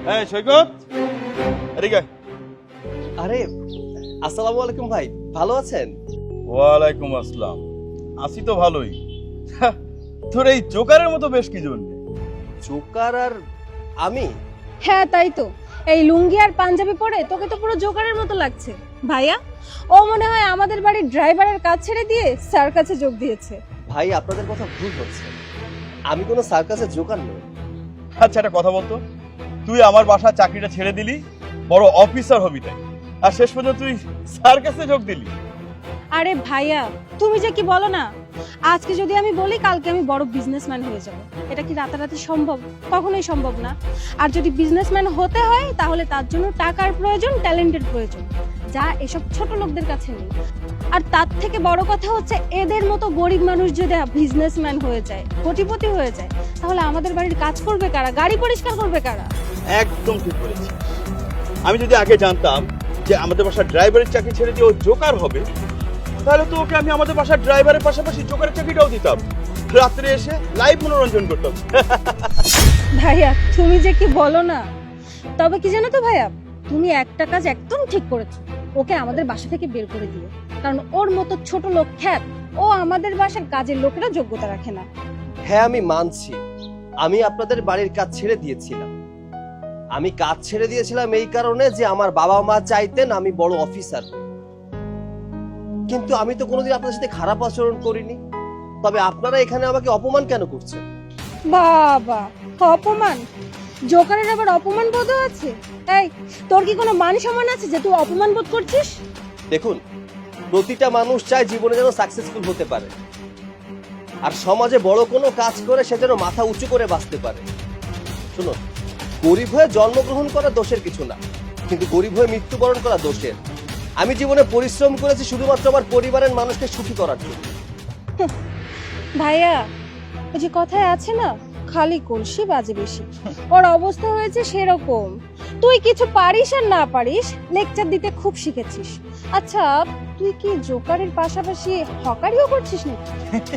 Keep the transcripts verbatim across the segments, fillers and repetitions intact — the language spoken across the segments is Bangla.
হ্যাঁ সৈকত, এদিকে। আরে আসসালামু আলাইকুম ভাই, ভালো আছেন? ওয়ালাইকুম আসসালাম। আছি তো ভালোই। তোর এই জোকারের মতো বেশ কি জন্য? জোকার আর আমি? হ্যাঁ তাই তো, এই লুঙ্গি আর পাঞ্জাবি পরে তোকে তো পুরো জোকারের মতো লাগছে। ভাইয়া, ও মনে হয় আমাদের বাড়ির ড্রাইভারের কাজ ছেড়ে দিয়ে স্যার কাছে যোগ দিয়েছে। ভাই আপনাদের কথা ভুল হচ্ছে, আমি কোনো সার্কাসের জোকার নই। আচ্ছা একটা কথা বলতো, তুই আমার বাসার চাকরিটা ছেড়ে দিলি, বড় অফিসার হবি তাই, আর শেষ পর্যন্ত তুই সার্কাসে যোগ দিলি। আরে ভাইয়া, তুমি যে কি বলো না, আজকে যদি আমি বলি কালকে আমি বড় বিজনেসম্যান হয়ে যাব, এটা কি রাতারাতি সম্ভব? কখনোই সম্ভব না। আর যদি বিজনেসম্যান হতে হয় তাহলে তার জন্য টাকার প্রয়োজন, ট্যালেন্টের প্রয়োজন, যা এসব ছোট লোকদের কাছে নেই। আর তার থেকে বড় কথা হচ্ছে, এদের মতো গরিব মানুষ যদি বিজনেসম্যান হয়ে যায়, কোটিপতি হয়ে যায়, তাহলে আমাদের বাড়ির কাজ করবে কারা, গাড়ি পরিষ্কার করবে কারা? একদম ঠিক বলেছি। আমি যদি আগে জানতাম যে আমাদের বাসার ড্রাইভারের চাকরি ছেড়ে দিয়ে ও জোকার হবে, তাহলে তো ওকে আমি আমাদের বাসার ড্রাইভারের পাশাপাশি জোকারের চাকরিটাও দিতাম, রাত্রে এসে লাইভ মনোরঞ্জন করতাম। ভাইয়া তুমি যে কি বলো না, তবে কি জানো তো ভাইয়া, তুমি একটা কাজ একদম ঠিক করেছো, ওকে আমাদের বাসা থেকে বের করে দিও। কারণ ওর মতো ছোট লোক খ্যাত, ও আমাদের বাসার কাজের লোকেরা যোগ্যতা রাখে না। হ্যাঁ আমি মানছি, আমি আপনাদের বাড়ির কাজ ছেড়ে দিয়েছিলাম। আমি কাজ ছেড়ে দিয়েছিলাম এই কারণে যে আমার বাবা মা চাইতেন আমি বড় অফিসার হই। কিন্তু আমি তো কোনোদিন আপনাদের সাথে খারাপ আচরণ করিনি। তবে আপনারা এখানে আমাকে অপমান কেন করছেন? বাবা, অপমান? জোকারের আবার অপমান বোধ আছে? এই, তোর কি কোনো মান সম্মান আছে যে তুই অপমান বোধ করছিস? দেখুন, প্রতিটা মানুষ চায় জীবনে যেন সাকসেসফুল হতে পারে, আর সমাজে বড় কোনো কাজ করে সে যেন মাথা উঁচু করে বাঁচতে পারে। শুনুন, গরিব হয়ে জন্মগ্রহণ করা দোষের কিছু না, কিন্তু গরিব হয়ে মৃত্যুবরণ করা দোষের। আমি জীবনে পরিশ্রম করেছি শুধুমাত্র আমার পরিবারের মানুষকে সুখী করার জন্য। ভাইয়া, ওই যে কথায় আছে না, খালি কলসি বাজে বেশি। ওর অবস্থা হয়েছে সেরকম। তুই কিছু পারিস আর না পারিস, লেকচার দিতে খুব শিখেছিস। আচ্ছা, তুই কি জোকারের পাশাপাশি হকারিও করছিস নাকি?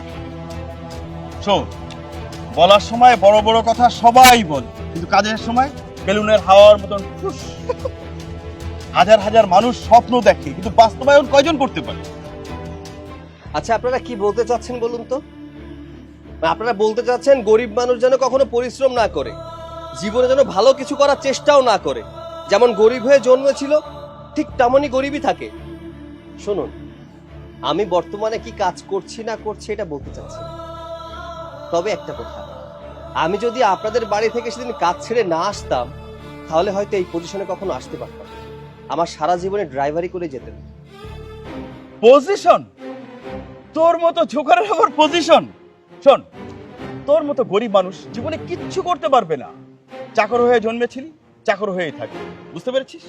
শোন, বলার সময় বড় বড় কথা সবাই বলে, কিন্তু কাজের সময় বেলুনের হাওয়ার মতন ফুস। হাজার হাজার মানুষ স্বপ্ন দেখে, কিন্তু বাস্তবায়ন কয়জন করতে পারে? আচ্ছা, আপনারা কি বলতে চাচ্ছেন বলুন তো? আপনারা বলতে চাচ্ছেন গরিব মানুষ যেন কখনো পরিশ্রম না করে, জীবনে যেন ভালো কিছু করার চেষ্টাও না করে, যেমন গরিব হয়ে জন্মেছিল ঠিক তেমনই গরিবই থাকে। শুনুন, আমি বর্তমানে কি কাজ করছি না করছি এটা বলতে চাচ্ছি, তবে একটা কথা, আমি যদি আপনাদের বাড়ি থেকে সেদিন কাজ ছেড়ে না আসতাম, তাহলে হয়তো এই পজিশনে কখনো আসতে পারতাম। আমার সারা জীবনে ড্রাইভারি করে যেতেন। পজিশন? তোর মতো জোকারের আবার পজিশন? শোন, তোর মতো গরিব মানুষ জীবনে কিচ্ছু করতে পারবে না। চাকর হয়ে জন্মেছিলি, চাকর হয়েই থাকবি, বুঝতে পেরেছিস?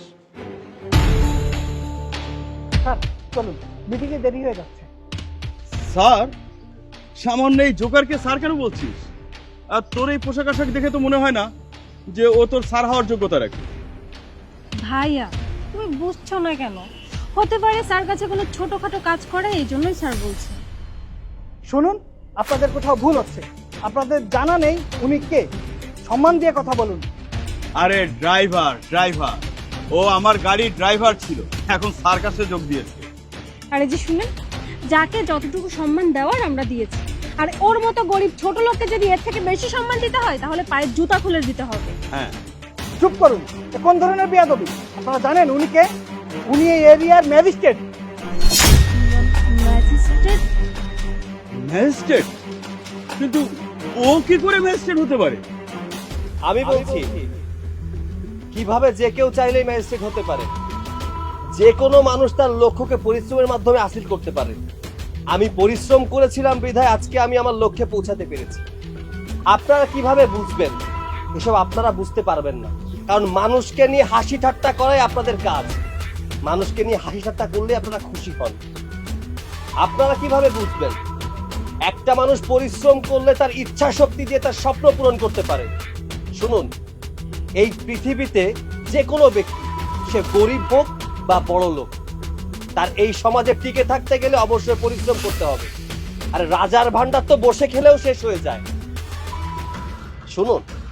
স্যার চলুন, মিটিংয়ে দেরি হয়ে যাচ্ছে। স্যার? সামান্য এই জোকারকে স্যার কেন বলছিস? আর তোর এই পোশাক আশাক দেখে তো মনে হয় না যে ও তোর স্যার হওয়ার যোগ্যতা রাখে। ভাইয়া, তুমি বুঝছো না কেন? হতে পারে স্যার কাছে কোনো ছোটখাটো কাজ করে, এই জন্যই স্যার বলছে। শুনুন, আপনাদের কোথাও ভুল হচ্ছে। আপনাদের জানা নেই উনি কে। সম্মান দিয়ে কথা বলুন। আরে ড্রাইভার, ড্রাইভার ও আমার গাড়ির ড্রাইভার ছিল, এখন স্যার কাছে যোগ দিয়েছে। আরে যে শুনেন, যাকে যতটুকু সম্মান দেওয়ার আমরা দিয়েছি, আর ওর মতো গরিব ছোট লোককে যদি এর থেকে বেশি সম্মান দিতে হয়, তাহলে পায়ের জুতা খুলে দিতে হবে। হ্যাঁ। চুপ করুন, এ কোন ধরনের বেয়াদবি? আপনারা জানেন উনি কে? উনি এই এরিয়ার ম্যাজিস্ট্রেট। ম্যাজিস্ট্রেট? ম্যাজিস্ট্রেট? কিন্তু ও কি করে ম্যাজিস্ট্রেট হতে পারে? আমি বলছি, কিভাবে যে কেউ চাইলেই ম্যাজিস্ট্রেট হতে পারে। যে কোনো মানুষ তার লক্ষ্যকে পরিশ্রমের মাধ্যমে হাসিল করতে পারে। আমি পরিশ্রম করেছিলাম বিধায় আজকে আমি আমার লক্ষ্যে পৌঁছাতে পেরেছি। আপনারা কিভাবে বুঝবেন? এসব আপনারা বুঝতে পারবেন না, কারণ মানুষকে নিয়ে হাসি ঠাট্টা করাই আপনাদের কাজ। মানুষকে নিয়ে হাসি ঠাট্টা করলে আপনারা খুশি হন। আপনারা কিভাবে বুঝবেন? একটা মানুষ পরিশ্রম করলে তার ইচ্ছা শক্তি দিয়ে তার স্বপ্ন পূরণ করতে পারে। শুনুন, এই পৃথিবীতে যে কোনো ব্যক্তি, সে গরিব হোক বা বড় লোক, তার এই সমাজে টিকে থাকতে গেলে অবশ্যই পরিশ্রম করতে হবে। আর রাজার ভান্ডার তো বসে খেলেও শেষ হয়ে যায়। শুনুন,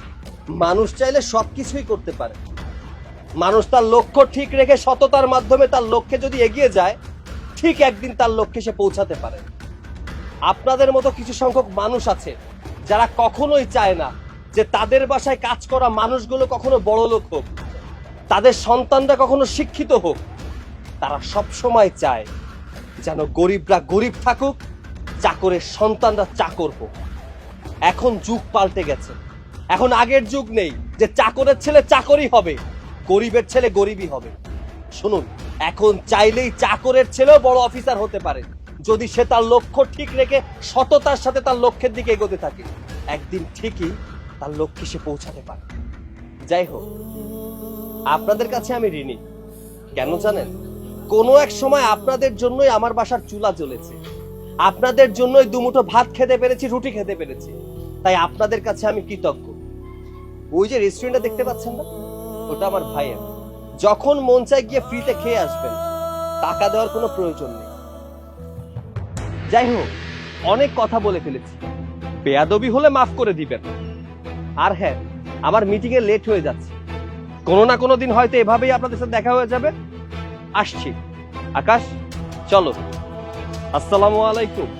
মানুষ চাইলে সবকিছুই করতে পারে। মানুষ তার লক্ষ্য ঠিক রেখে সততার মাধ্যমে তার লক্ষ্যে যদি এগিয়ে যায়, ঠিক একদিন তার লক্ষ্যে সে পৌঁছাতে পারে। আপনাদের মতো কিছু সংখ্যক মানুষ আছে যারা কখনোই চায় না যে তাদের বাসায় কাজ করা মানুষগুলো কখনো বড় লোক হোক, তাদের সন্তানরা কখনো শিক্ষিত হোক। তারা সব সময় চায় যেন গরিবরা গরিব থাকুক, চাকরের সন্তানরা চাকর হোক। এখন যুগ পাল্টে গেছে। এখন আগের যুগ নেই যে চাকরের ছেলে চাকরই হবে, গরিবের ছেলে গরিবই হবে। শুনুন, এখন চাইলেই চাকরের ছেলেও বড় অফিসার হতে পারে, যদি সে তার লক্ষ্য ঠিক রেখে সততার সাথে তার লক্ষ্যের দিকে এগোতে থাকে। একদিন ঠিকই তার লক্ষ্যে সে পৌঁছাতে পারে। যাই হোক, আপনাদের কাছে আমি ঋণী। কেন জানেন? কোনো এক সময় আপনাদের জন্যই আমার বাসার চুলা জ্বলেছে, আপনাদের জন্যই দুমুঠো ভাত খেতে পেরেছি, রুটি খেতে পেরেছি। তাই আপনাদের কাছে আমি কৃতজ্ঞ। ওই যে রেস্টুরেন্টটা দেখতে পাচ্ছেন না, ওটা আমার ভাইয়ের। যখন মন চায় গিয়ে ফ্রিতে খেয়ে আসবেন, টাকা দেওয়ার কোনো প্রয়োজন নেই। যাই হোক, অনেক কথা বলে ফেলেছি, বেয়াদবি হলে মাফ করে দিবেন। আর হ্যাঁ, আমার মিটিং এ লেট হয়ে যাচ্ছে। কোনো না কোনো দিন হয়তো এভাবেই আপনাদের সাথে দেখা হয়ে যাবে। আসছি। আকাশ, চলো। আসসালামু আলাইকুম।